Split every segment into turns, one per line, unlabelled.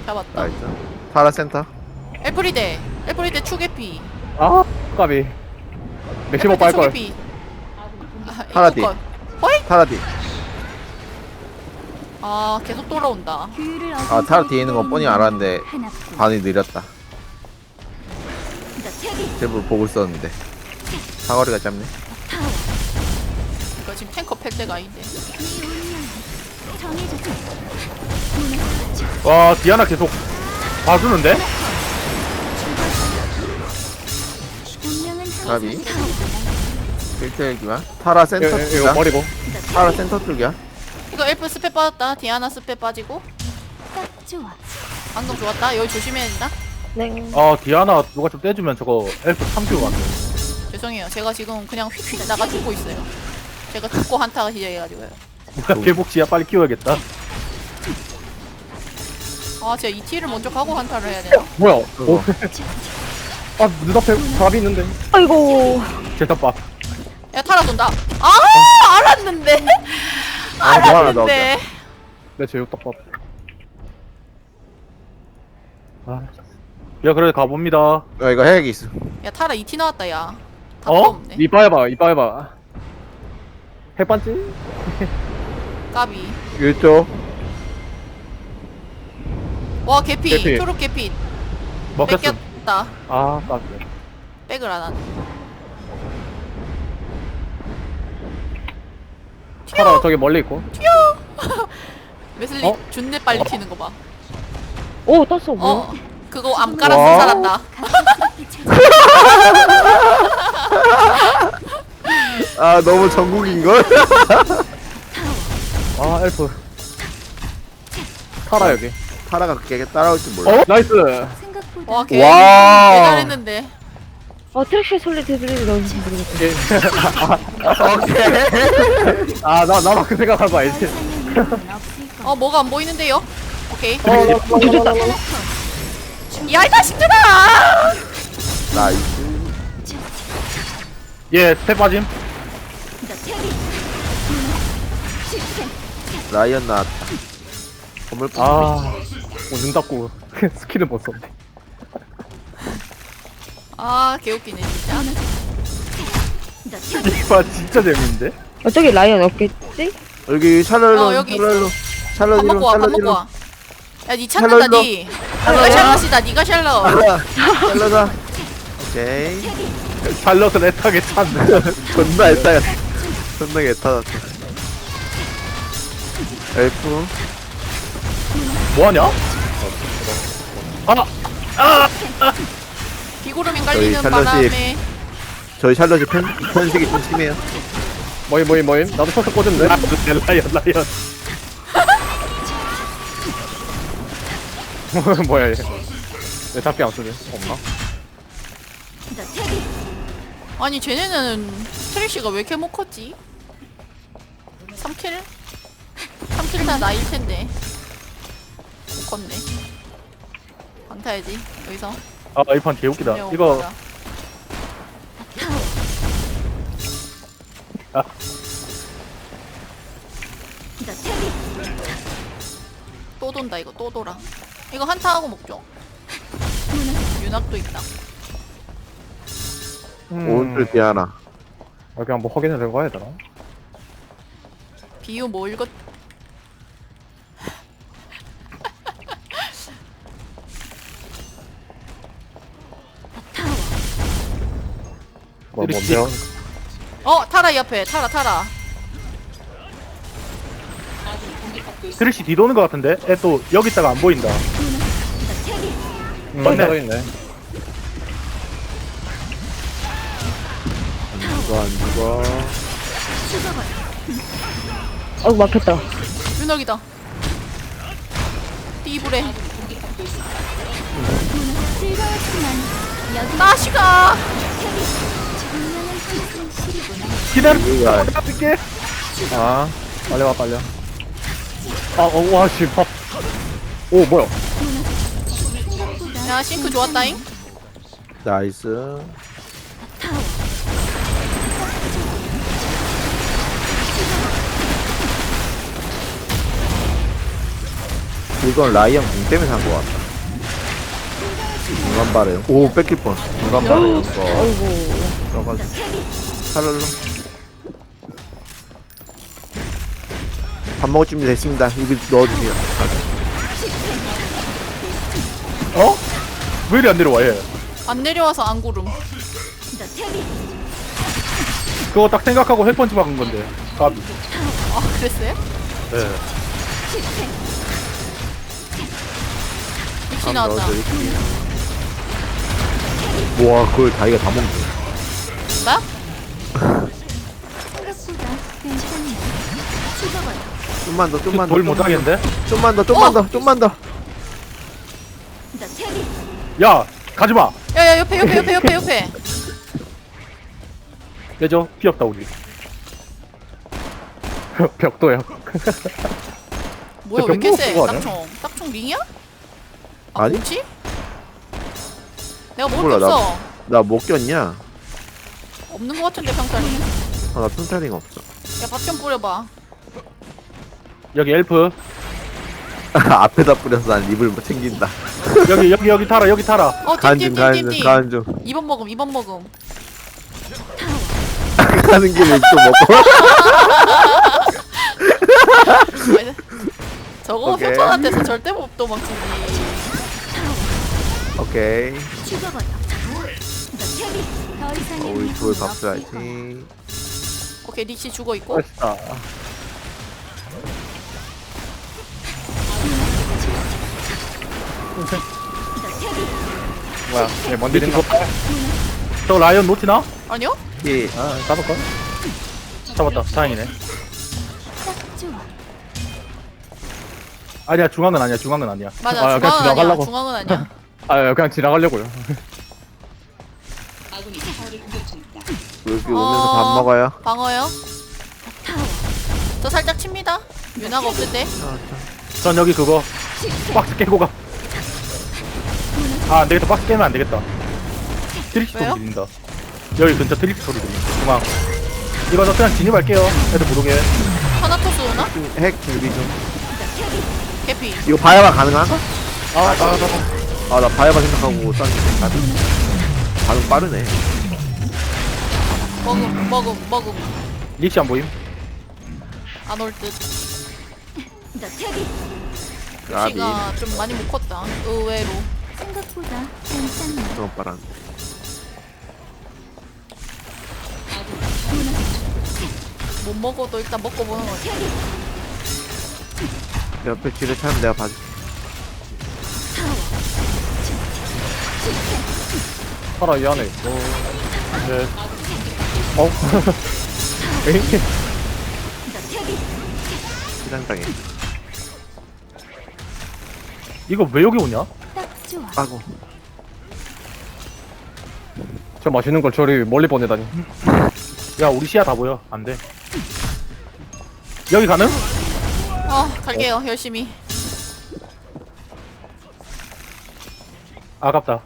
잡았다.
나이스. 타라 센터.
엘프리데 추개피.
아 까비 맥시멈 빨걸.
타라 뒤.
허이?
타라 뒤.
아 계속 돌아온다.
아 타라 뒤에 있는 건 뻔히 알았는데 반이 느렸다. 제부 보고 있었는데 사거리가 짧네.
이거 지금 탱커 팰 때가 아닌데.
와 디아나 계속 봐주는데?
가비 1대1기만 타라 센터
이거
쪽이야.
버리고.
타라 센터 쪽이야.
이거 엘프 스페 빠졌다. 디아나 스페 빠지고. 방금 좋았다. 여기 조심해야 된다.
아 디아나 누가 좀 떼주면 저거 엘프 3큐 같네.
죄송해요. 제가 지금 그냥 휙휙 나가 죽고 있어요. 제가 죽고 한타가 시작해가지고요.
뭐야 개복치야 빨리 키워야겠다.
아 제가 이 티를 먼저 가고 한타를 해야 되나?
뭐야? 오.
그거.
아 눈앞에 답이 있는데.
아이고.
제탑밥.
야 타라 돈다. 아 알았는데.
아, 뭐 하나
알았는데.
내 제육덮밥. 아. 야 그래 가봅니다.
야 이거 해야겠 있어.
야 타라 2티 나왔다 야. 답도
어?
없네.
이빠 해봐 이빠 해봐. 해반지?
까비.
이쪽
와 개피.
개피.
초록 개피.
먹혔어.
뺏겼다.
아 까비.
백을 안 하네.
타라 저기 멀리 있고.
웨슬리
어?
준내 빨리 튀는 거 봐.
오, 떴어. 뭐야?
어 그거 암가라스
와.
살았다.
아 너무 전국인걸?
아 엘프. 타라 여기.
타라가 그렇게 따라올 줄 몰라.
어? 나이스.
와 개.
와.
개 잘했는데.
트랙시 솔리 데빌이 넣은지 모르겠어.
예.
오케이.
아나 그 생각한 거 알지?
어 뭐가 안 보이는데요? 오케이.
조졌다.
야 이 자식들아.
나이스.
예 스텝 빠짐.
라이언 나왔다. 건물
눈 닫고 스킬을 못 썼네.
아 개웃기네 진짜.
이봐 진짜 재밌는데?
저기 라이언 없겠지?
여기 샬럿로
어, 여기
샬럿로 샬럿
밥
이름
먹고 와, 밥
샬럿
먹고
이름
와. 야, 니 찾는다,
샬럿로.
니. 니가 샬럿이다, 니가 샬럿.
샬럿아. 오케이.
샬럿을 애타게 찾네.
존나 애타가 존나 애타다. 엘프
뭐하냐?
비구름이 깔리는
저희 샬럿이-
바람에.
저희 샬럿이 편식이 좀 심해요.
모임. 나도 서서 꽂은데. 라이언. 뭐야 얘? 왜 잡기 안 쓰지? 없나?
아니, 쟤네는 트릭시가 왜 이렇게 못 컸지? 3킬? 3킬 다 나일 텐데. 못 컸네. 안 타야지, 여기서.
아 이 판 개웃기다.
그냥
이거
오빠가.
아.
또 돈다, 이거 또 돌아. 이거 한타하고 먹죠. 윤학도 있다.
오른쪽 디아나.
여기 한번 확인해 된 거 해야 되나?
비유 뭐 읽었?
뭔데요?
타라 옆에, 타라.
트릭시 뒤도는 거 같은데? 애 또 여기 있다가 안 보인다. 맞네. 있네.
안 죽어.
아이고, 막혔다.
윤학이다. 띠부레. 나시가.
기다려.
이거야.
갈게. 아 빨리 와. 와 씨. 밥. 오 뭐야?
야 싱크 좋았다잉.
나이스. 이건 라이언 공 때문에 산 거 같다. 중간발에. 오, 뺏길 뻔. 중간발에 이거.
아이고.
들어가지고. 살랄로. 밥 먹을 준비 됐습니다. 여기 넣어주세요.
어? 왜 이리 안 내려와 얘?
안 내려와서 안 구름.
그거 딱 생각하고 핵펀치 박은 건데. 까비.
아 그랬어요?
네.
역시 나왔다.
와, 그걸 다이가 다 먹네.
나?
좀만 더, 좀만 더.
돌 못하겠는데?
좀만 더, 좀만 더, 좀만 더.
야! 가지마!
야야 옆에.
내죠? 피 없다 우리. 벽도야.
뭐야
저
왜 이렇게
병도
세?
그거 아니야?
딱총 링이야? 아
아니?
뭐지? 내가 먹을
몰라,
게 없어.
나 못 꼈냐?
없는 거 같은데 평타리.
아, 나 튼타링 없어.
야 밥 좀 뿌려봐.
여기 엘프.
앞에다 뿌려서 난 립을 못 챙긴다.
여기 타라 여기 타라.
간중, 간중, 간중.
2번 먹음.
가는 길에 립도 먹고.
저거
오케이.
협찬한테서 절대 못 도망치지.
오케이.
더
우리 둘
이상
밥줘야지.
오케이 닉시 죽어 있고.
맛있다.
뭐야 얘 뭔데 린가?
저 라이언 놓치나?
아니요?
예.
아 잡을까? 잡았다. 다행이네. 아니야 중앙은 아니야. 중앙은 아니야.
맞아
아, 그냥
중앙은 아니야.
지나가려고.
중앙은 아니야.
아 그냥 지나가려고요.
여기 오면서 밥 먹어요.
방어요. 저 살짝 칩니다. 유나가 없을 때.
전 여기 그거 박스 깨고 가. 아 안되겠다. 박스 깨면 안되겠다. 트릭 소리
왜요?
들린다. 여기 근처 트릭 소리 들린다. 중앙. 이거 저 그냥 진입할게요. 애들 못 오게.
하나토스 오나?
핵 준비 좀.
개피.
이거 바야바 가능한가? 아, 나 바야바 생각하고 쐈는데. 나도. 반응 빠르네.
먹음.
릭시 안 보임?
안 올 듯.
까비.
릭시가 좀 많이 못 컸다. 의외로.
생각보다 괜찮네.
그런 빠란.
못 먹어도 일단 먹고 보는 거지.
옆에 뒤를 차면 내가 봐줄게.
살아 이 안에 있어.
네.
어? 에이?
시장당해.
이거 왜 여기 오냐?
딱 좋아.
아고.
저 맛있는 걸 저리 멀리 보내다니.
야 우리 시야 다 보여. 안돼. 여기 가능?
갈게요. 열심히.
아깝다.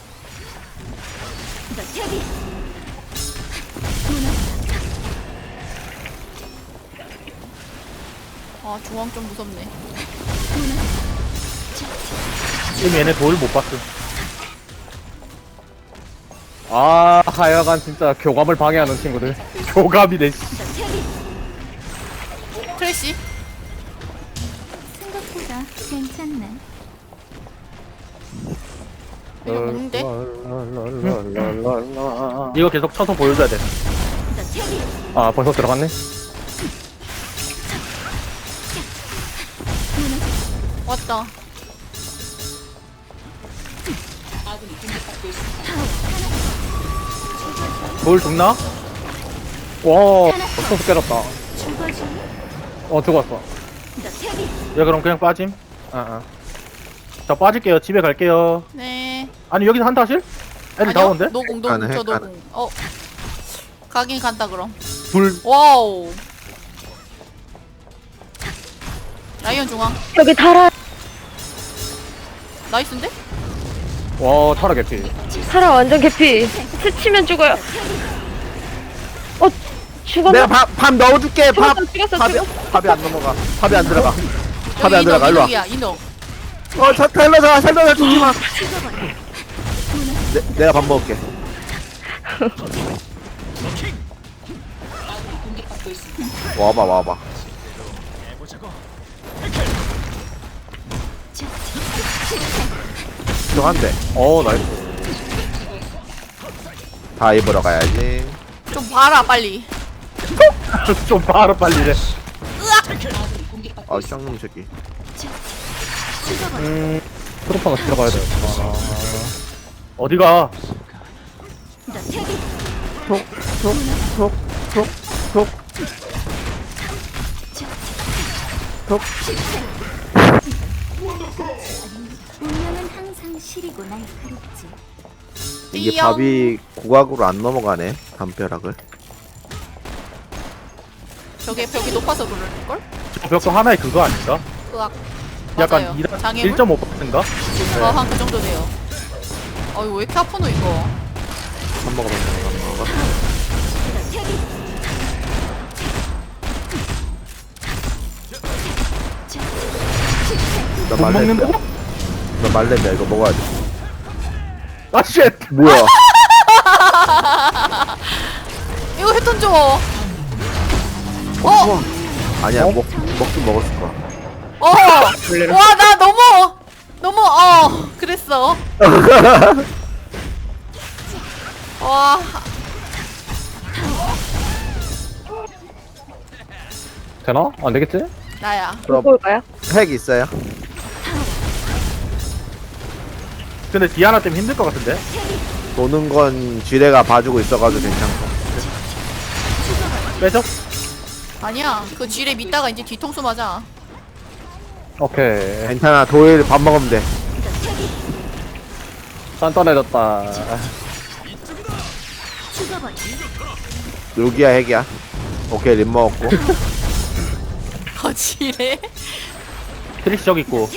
아 중앙 좀 무섭네.
지금 얘네 돌 못 봤어.
아 하여간 진짜 교감을 방해하는 친구들.
교감이네. 씨.
트레이시.
생각보다 괜찮네.
이거 먹는데?
이거 계속 쳐서 보여줘야 돼.
아 벌써 들어갔네?
왔다.
돌 죽나?
와 소스 깨졌다.
죽어줘.
죽었어.
야 그럼 그냥 빠짐.
아아
자 빠질게요. 집에 갈게요.
네.
아니 여기서 한타 하실? 애들 다
아니요?
오는데?
노공
가네,
저
가네.
노공. 가긴 간다 그럼.
둘.
와우. 라이언 중앙.
여기 달아.
나이스인데?
와 타라 개피.
살아 완전 개피. 스치면 죽어요. 죽었나?
내가 밥 넣어줄게. 밥.
죽었어.
밥이 안 넘어가. 밥이 안 들어가. 밥이 안 들어가. 일로 와.
인어.
자, 살려줘. 죽지 마. 내가 밥 먹을게. 와봐. 좀 한대.
나이스.
다 입으러 가야지.
좀 봐라 빨리.
좀 바로 빨리래.
아, 쌍놈 새끼.
트로파가 들어가야 돼.
어디가?
운명은 항상 시리고 날카롭지.
이게
띠용.
밥이 고각으로 안 넘어가네. 담벼락을.
저게 벽이 높아서 그럴걸?
저 벽도 하나의 그거 아닌가?
으악.
약간
맞아요.
1.5%인가?
장애물? 한 그 정도 돼요. 이거 왜 이렇게 아프노 이거?
밥 먹어. 나
못 먹는다?
말렙이야. 나 말렙이야. 이거 먹어야 돼.
아 쉣!
뭐야?
이거 휴톤 줘. 어?
아니야. 먹긴 먹었을 거야.
와, 나 너무 그랬어. 와,
되나? 안 되겠지?
나야.
그럼
볼까요?
핵 있어요?
근데 디아나 때문에 힘들 것 같은데?
도는 건 지뢰가 봐주고 있어가지고 괜찮고.
빼죠?
아니야. 그 쥐레 믿다가 이제 뒤통수 맞아.
오케이.
괜찮아. 도일 밥 먹으면 돼.
단단해졌다.
루기야 핵이야. 오케이 립 먹었고.
쥐레?
트릭시 저기 있고.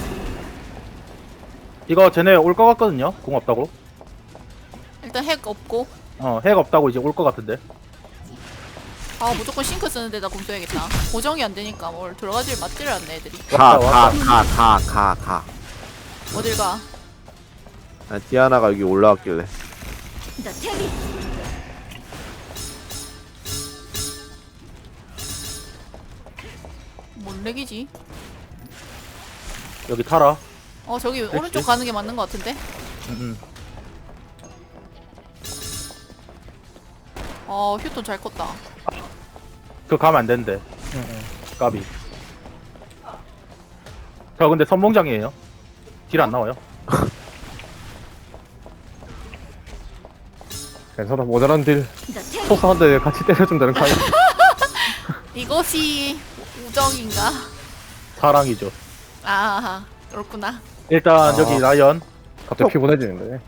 이거 쟤네 올 것 같거든요? 공 없다고?
일단 핵 없고.
핵 없다고 이제 올 것 같은데.
아, 무조건 싱크 쓰는 데다 공 써야겠다. 고정이 안 되니까 뭘 들어가질 맞지를 않네 애들이.
가.
어딜 가?
아, 디아나가 여기 올라왔길래.
뭔 렉이지?
여기 타라.
저기 오른쪽 가는 게 맞는 것 같은데? 휴톤 잘 컸다.
그거 가면 안 되는데. 까비. 저 근데 선봉장이에요. 딜 안 나와요.
괜찮아. 모자란 딜. 소스 한 대 같이 때려주면 되는 거 아니야?
이것이 우정인가?
사랑이죠.
아하, 그렇구나.
일단 여기 라이언.
갑자기 피곤해지는데.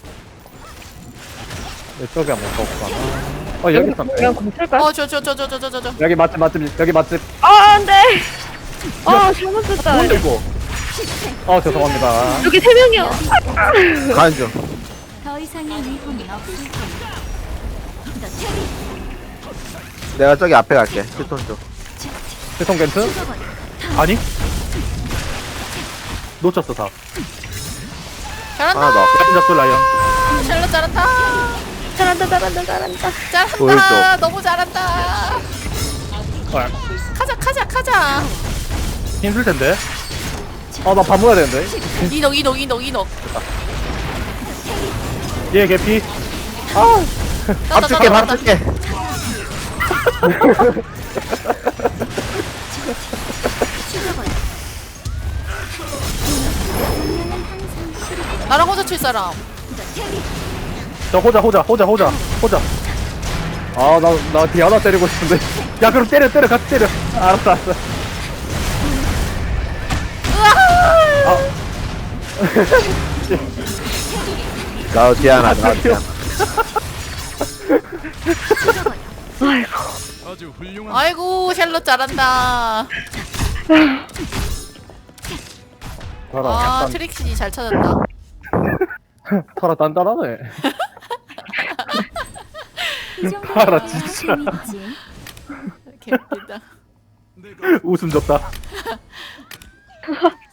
이쪽에 한번 가볼까? 여기 있었네.
그냥 공 쓸까요?
저.
여기 맛집, 여기 맛집.
안 돼! 잘못 썼다.
뭔데 이거?
죄송합니다.
여기 3명이요.
가는 중.
더 이상의 위험은 없을 거야.
내가 저기 앞에 갈게. 휴톤 쪽.
세통 겐트?
아니? 놓쳤어 다.
잘한다.
하나 더.
라이언 잡고 라이언.
샬롯 잘한다.
잘한다.
보일
잘한다.
쪽.
너무 잘한다. 가자.
힘들 텐데.
나 밥 먹어야 되는데.
이녹.
얘 개피.
밥 줄게.
나랑 혼자 칠 사람.
저 호자.
나 디아나 때리고 싶은데.
야 그럼 때려 같이 때려.
알았어.
나 디아나.
아이고 샬롯 잘한다. 트릭시 잘 찾았다.
타라 단단하네.
이 정도면
알아, 진짜.
재밌지.
개웃기다.
웃음 줬다.